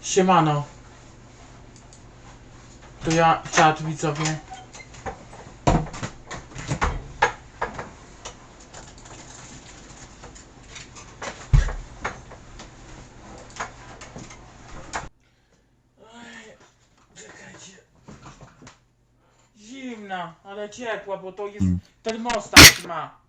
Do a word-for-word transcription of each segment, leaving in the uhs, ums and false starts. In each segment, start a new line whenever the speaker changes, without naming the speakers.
Siemano. To ja, czat widzowie. Ej, czekajcie. Zimna, ale ciepła, bo to jest termostat ma.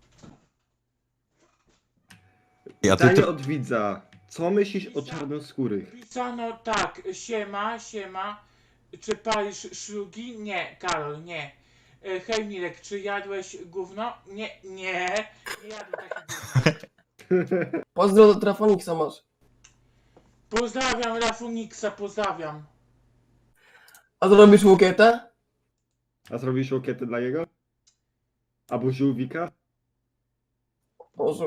Ja ty,
Pytanie
ty,
od widza. Co myślisz o czarnoskórych?
Pisano tak, siema, siema. Czy palisz szlugi? Nie, Karol, nie. E, Hej Mirek, czy jadłeś gówno? Nie, nie. Nie jadłem takiego gówna.
Pozdro do Trafoniksa masz.
Pozdrawiam Rafuniksa, pozdrawiam.
A zrobisz łukietę?
A zrobisz łokietę dla jego? Albo żółwika?
Boże.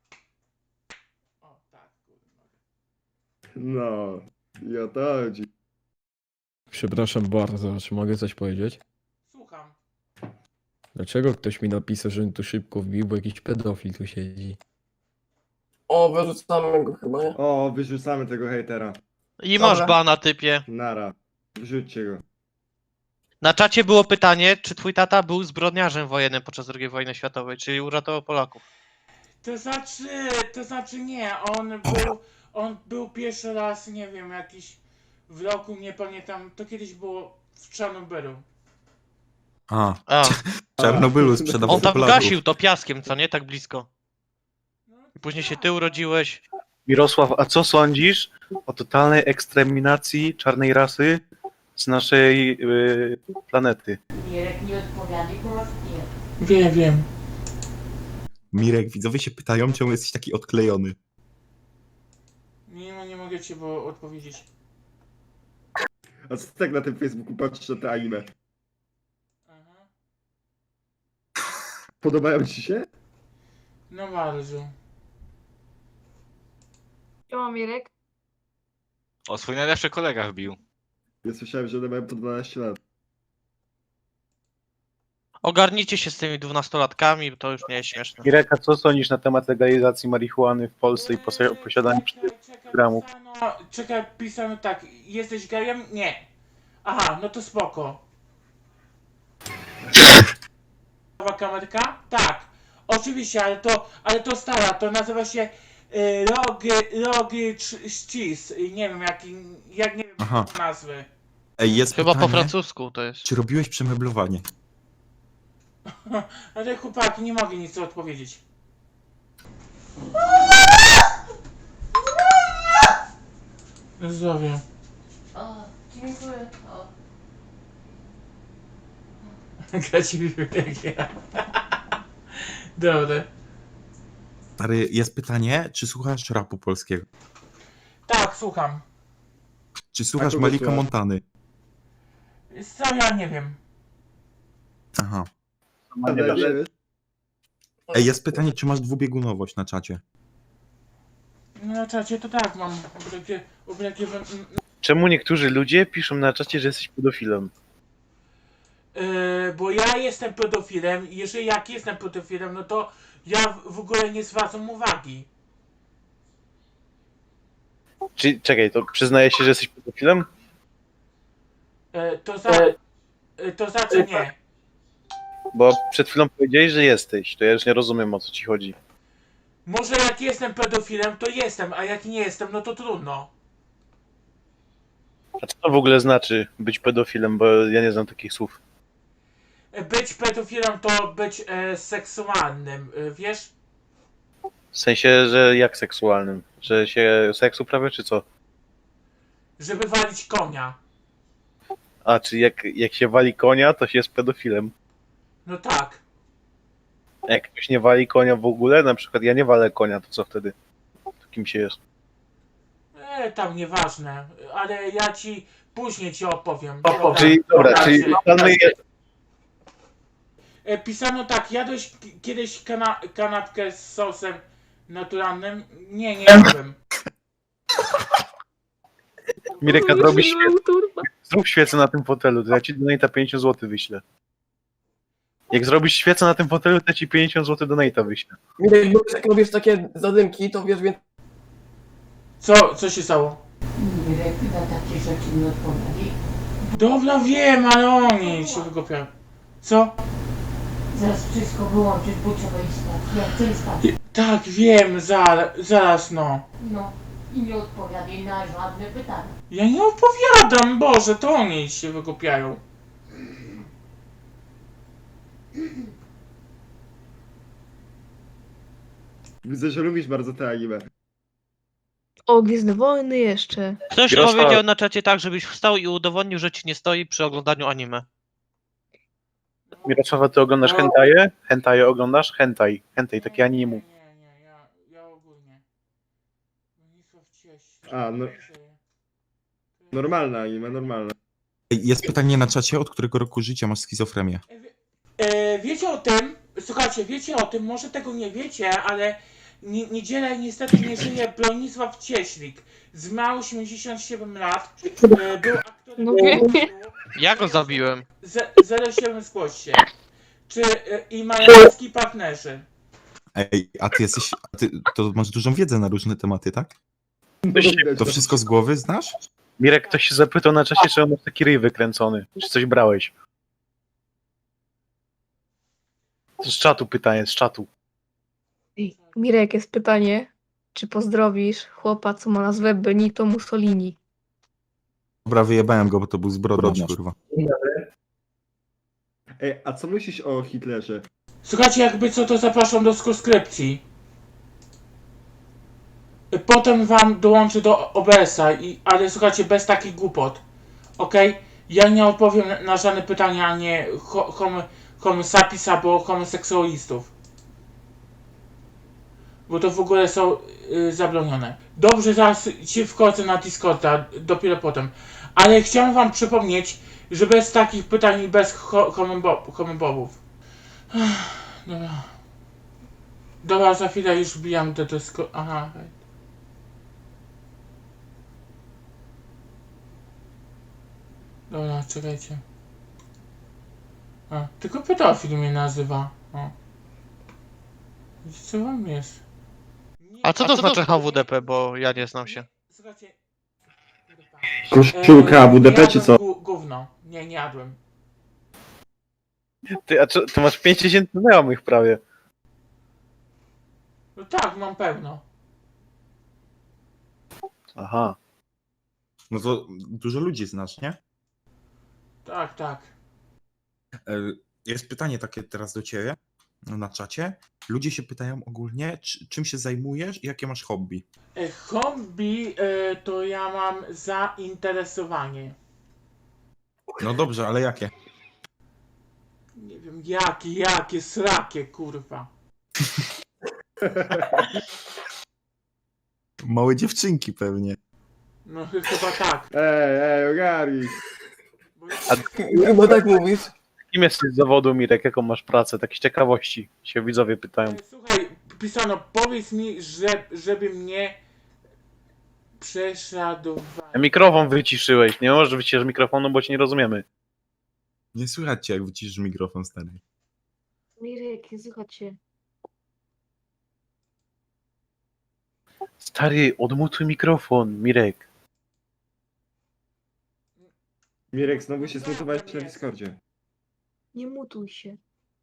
O, tak, kurwa.
No, i o to chodzi.
Przepraszam bardzo, czy mogę coś powiedzieć?
Słucham.
Dlaczego ktoś mi napisał, żebym tu szybko wbił, bo jakiś pedofil tu siedzi?
O, wyrzucamy go chyba, nie?
O, wyrzucamy tego hejtera.
I
Dobra.
masz bana, typie.
Nara. Wrzućcie go.
Na czacie było pytanie, czy twój tata był zbrodniarzem wojennym podczas drugiej wojny światowej, czyli uratował Polaków.
To znaczy, to znaczy nie, on był, on był pierwszy raz, nie wiem, jakiś w roku, nie pamiętam, to kiedyś było w Czarnobylu.
a,
A,
w Czarnobylu sprzedawał
on tam
Polaków.
gasił to piaskiem, co nie? Tak blisko. I później się ty urodziłeś.
Mirosław, a co sądzisz o totalnej eksterminacji czarnej rasy z naszej y, planety?
Mirek nie odpowiadaj, bo was nie.
Wiem, wiem.
Mirek, widzowie się pytają, czemu jesteś taki odklejony.
Nie, no nie mogę ci bo odpowiedzieć.
A co tak na tym Facebooku patrzysz na te anime?
Aha.
Podobają ci się?
No bardzo.
Siema Mirek.
O, swój najlepszy kolega wbił.
Ja słyszałem, że one mają po dwanaście lat.
Ogarnijcie się z tymi dwunastolatkami, bo to już nie jest śmieszne.
Mirek, a co sądzisz na temat legalizacji marihuany w Polsce i posi-
Eee,
posiadania
czekaj, czekaj,
gramów?
Pisano, czekaj, pisano tak, jesteś gejem? Nie. Aha, no to spoko. Nowa kamerka? Tak. Oczywiście, ale to, ale to stara, to nazywa się y, Rogy, Rogy Cheese. Nie wiem, jak, jak nie wiem
Aha.
nazwy.
Ej, jest
Chyba
pytanie,
po francusku to jest.
czy robiłeś przemeblowanie?
Ale chłopaki, nie mogę nic odpowiedzieć. Zdrowie.
O, dziękuję. O.
Graci bibliotekę. Dobra.
Stary, jest pytanie, czy słuchasz rapu polskiego?
Tak, słucham.
Czy słuchasz
kogo
Malika
słuchasz?
Montany?
Co ja nie wiem.
Aha.
A nie wiesz?
Ej, jest pytanie, czy masz dwubiegunowość na czacie?
No na czacie to tak, mam ublegie, ublegie,
Czemu niektórzy ludzie piszą na czacie, że jesteś pedofilem?
yy, bo ja jestem pedofilem i jeżeli jak jestem pedofilem, no to ja w- w ogóle nie zwracam uwagi.
Czy, czekaj, to przyznaje się, że jesteś pedofilem?
Yy, to za... Yy, to znaczy nie.
Bo przed chwilą powiedziałeś, że jesteś, to ja już nie rozumiem, o co ci chodzi.
Może jak jestem pedofilem, to jestem, a jak nie jestem, no to trudno.
A co to w ogóle znaczy być pedofilem, bo ja nie znam takich słów.
Yy, Być pedofilem to być e, seksualnym, yy, wiesz?
W sensie, że jak seksualnym? Że się seks uprawia, czy co?
Żeby walić konia.
A, czy jak, jak się wali konia, to się jest pedofilem.
No tak.
A jak ktoś nie wali konia w ogóle, na przykład ja nie walę konia, to co wtedy? To kim się jest?
E, tam nieważne, ale ja ci później ci opowiem.
Czyli, dobra, czyli
Znaczy,
ustalmy,
e, pisano tak, jadłeś k- kiedyś kana kanapkę z sosem naturalnym? Nie, nie jadłem.
Mirek, a robisz świecę, zrób świecę na tym fotelu, to ja ci donata pięćdziesiąt złotych wyślę. Jak zrobisz świecę na tym fotelu, to ja ci pięćdziesiąt złotych donata wyślę.
Mirek, bo jak robisz takie zadymki, to wiesz więcej.
Co, co się stało?
Mirek na takie rzeczy nie odpowiada.
Dobra, wiem, ale oni się wygopiają. Co?
Zaraz wszystko wyłączyć, bo trzeba iść spać. Ja chcę spać.
Tak, wiem, zaraz, zaraz no.
No. I nie odpowiadaj na żadne pytania.
Ja nie opowiadam, Boże, to oni się wygopiają.
Widzę, że lubisz bardzo te anime.
O, Gwiezdne Wojny jeszcze.
Ktoś
Jarosław-
powiedział na czacie tak, żebyś wstał i udowodnił, że ci nie stoi przy oglądaniu anime.
Mirosława, ty oglądasz hentaje? Hentaje oglądasz? Hentai. Hentai, takie animu.
Nie, nie, ja, ja ogólnie. Bronisław Cieś.
A, no. Normalne anime, normalne.
Ej, jest pytanie na czacie, od którego roku życia masz schizofrenię?
E, wie- E, wiecie o tym, słuchajcie, wiecie o tym, może tego nie wiecie, ale ni- niedzielę niestety nie żyje Bronisław Cieślik. Zmarł osiemdziesiąt siedem lat, e, był aktorem
No
teatru.
Ja go zabiłem.
Ze- zero siedem zgłoś się. Czy e, i majorski partnerzy?
Ej, a ty jesteś, a ty, to masz dużą wiedzę na różne tematy, tak?
No, widać,
To
no.
wszystko z głowy znasz?
Mirek, ktoś się zapytał na czasie, czy on masz taki ryj wykręcony. Czy coś brałeś? To z czatu pytanie, z czatu.
Ej, Mirek, jest pytanie, czy pozdrowisz chłopa, co ma nazwę Benito Mussolini?
Dobra, wyjebałem go, bo to był zbrodniarz, kurwa.
Ej, a co myślisz o Hitlerze?
Słuchajcie, jakby co, to zapraszam do subskrypcji. Potem wam dołączę do O B S a, i, ale słuchajcie, bez takich głupot. Okej? Ja nie odpowiem na- na żadne pytania, a nie ho, homo, homo sapiens albo homoseksualistów. Bo to w ogóle są y, zabronione. Dobrze, zaraz się wchodzę na Discorda, dopiero potem. Ale chciałem wam przypomnieć, że bez takich pytań i bez ho, homobo- homobobów. Dobra. Dobra, za chwilę już wbijam do Discorda. Aha. Dobra, czekajcie. A, tylko pedofil mnie nazywa. O. Wiecie, co wam jest? Nie-
A co to znaczy H W D P, bo ja nie znam się.
Słuchajcie. kurwa.
Koszulka
E,
W D P czy
jadłem
co?
gó- Gówno. Nie, nie jadłem.
Ty, a czy, ty masz pięć tysięcy znajomych prawie.
No tak, mam pełno.
Aha.
No to dużo ludzi znasz, nie?
Tak, tak.
E, Jest pytanie takie teraz do ciebie na czacie. Ludzie się pytają ogólnie, czy, czym się zajmujesz i jakie masz hobby.
E, hobby e, to ja mam zainteresowanie.
No dobrze, ale jakie?
Nie wiem, jakie, jakie, srakie, kurwa.
Małe dziewczynki pewnie.
No ch- chyba tak.
Ej, ej, ogarnij.
Bo...
Chyba tak mówisz.
Kim jesteś z zawodu, Mirek? Jaką masz pracę? Takie z ciekawości się widzowie pytają.
E, Słuchaj, pisano, powiedz mi, że, żeby mnie prześladowali.
Mikrofon wyciszyłeś. Nie możesz wyciszyć mikrofonu, bo cię nie rozumiemy.
Nie słychać cię, jak wyciszysz mikrofon, stary.
Mirek, nie słychać się.
Stary, odmutuj mikrofon, Mirek.
Mirek, znowu się zmutowałeś na Discordzie.
Nie mutuj się.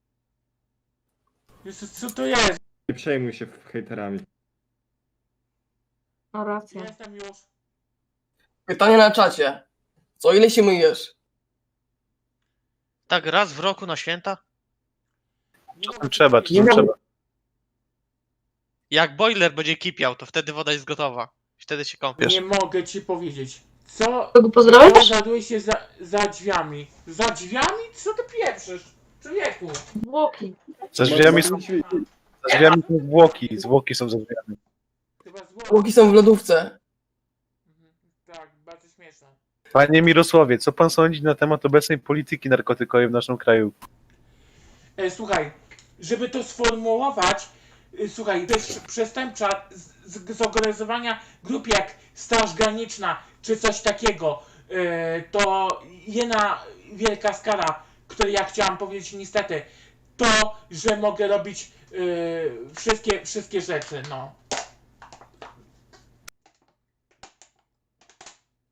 Jezu, co to jest?
Nie przejmuj się hejterami.
No racja.
Jestem już.
Pytanie na czacie. Co ile się myjesz?
Tak raz w roku na święta?
Nie
Czasem
mogę
trzeba,
ci
czasem
powiedzieć.
trzeba.
Jak boiler będzie kipiał, to wtedy woda jest gotowa. Wtedy się kąpiesz.
Nie mogę ci powiedzieć. Co?
Kogo pozdrowisz?
Zagaduje się za, za drzwiami. Za drzwiami? Co ty pieprzysz? Człowieku.
Zwłoki.
Za drzwiami są, za drzwiami są zwłoki. Zwłoki są za drzwiami.
Chyba zło.
Łoki są w lodówce.
Mhm. Tak, bardzo śmieszne.
Panie Mirosławie, co pan sądzi na temat obecnej polityki narkotykowej w naszym kraju?
E, słuchaj, żeby to sformułować, e, słuchaj, to jest przestępcza z, z, zorganizowania grup jak Straż Graniczna czy coś takiego, e, to jedna wielka skala, której ja chciałam powiedzieć niestety, to, że mogę robić e, wszystkie, wszystkie rzeczy, no.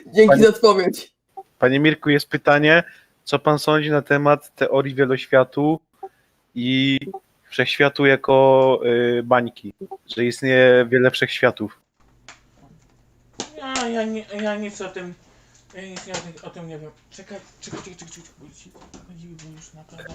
Dzięki
Panie-
za odpowiedź.
Panie Mirku, jest pytanie, co pan sądzi na temat teorii wieloświatu i wszechświatu jako y, bańki, że istnieje wiele wszechświatów.
Ja, ja, nie, ja nic o tym, ja nic nie o, tym, o tym nie wiem. Czekaj, czekaj, czekaj, czekaj, czekaj, bo ci chodzi, bo już naprawdę...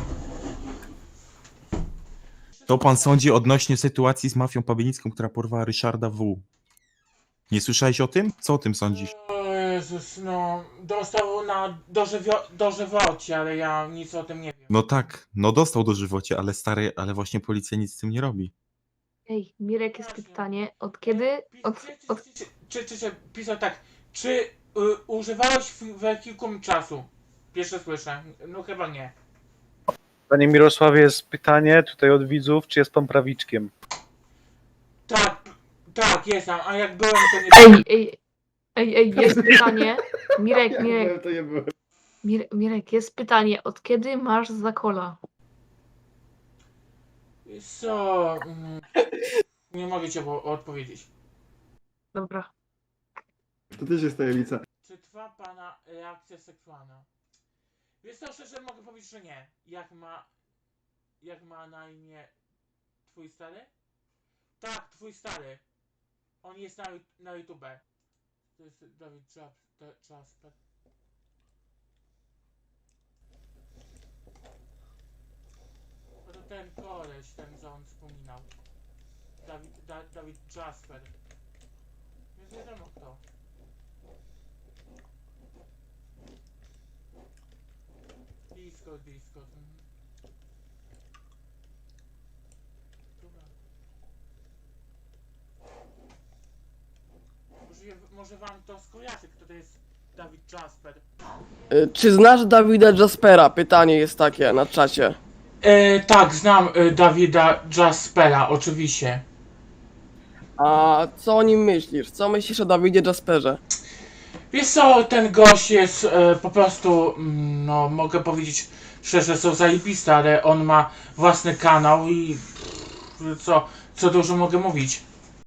To pan sądzi odnośnie sytuacji z mafią pabienicką, która porwała Ryszarda W. Nie słyszałeś o tym? Co o tym sądzisz?
O Jezus, no, dostał na dożywio, dożywocie, ale ja nic o tym nie wiem.
No tak, no dostał do żywocie, ale stary, ale właśnie policja nic z tym nie robi.
Ej, Mirek, jest pytanie, od kiedy, od,
Czy,
od,
czy, czy, czy, czy pisał tak, czy y, używałeś w wehikułum czasu? Pierwsze słyszę, no chyba nie.
Panie Mirosławie, jest pytanie tutaj od widzów, czy jest pan prawiczkiem?
Tak, tak, jestem, a jak byłem to nie...
ej, ej, ej, ej, jest pytanie, Mirek,
Ja
Mirek,
byłem, to nie byłem.
Mir, Mirek, jest pytanie, od kiedy masz zakola?
Co? mm, Nie mogę ci o- odpowiedzieć.
Dobra.
To też jest tajemnica.
Czy trwa pana reakcja seksualna? Wiesz co, szczerze mogę powiedzieć, że nie. Jak ma... Jak ma na imię twój stary? Tak, twój stary. On jest na, na YouTube. To jest Dawid Jas- Jasper. No to ten koleś, ten co on wspominał. Dawid, da, Dawid Jasper. Więc wiadomo kto. Discord, Discord. mhm. Dobra. Może, je- może wam to skojarzy, kto to jest Dawid Jasper.
Y, Czy znasz Dawida Jaspera? Pytanie jest takie na czacie.
E, tak, znam e, Dawida Jaspera, oczywiście.
A co o nim myślisz? Co myślisz o Dawidzie Jasperze?
Wiesz co, ten gość jest e, po prostu, mm, no mogę powiedzieć szczerze, są zajebiste, ale on ma własny kanał i pff, co, co dużo mogę mówić.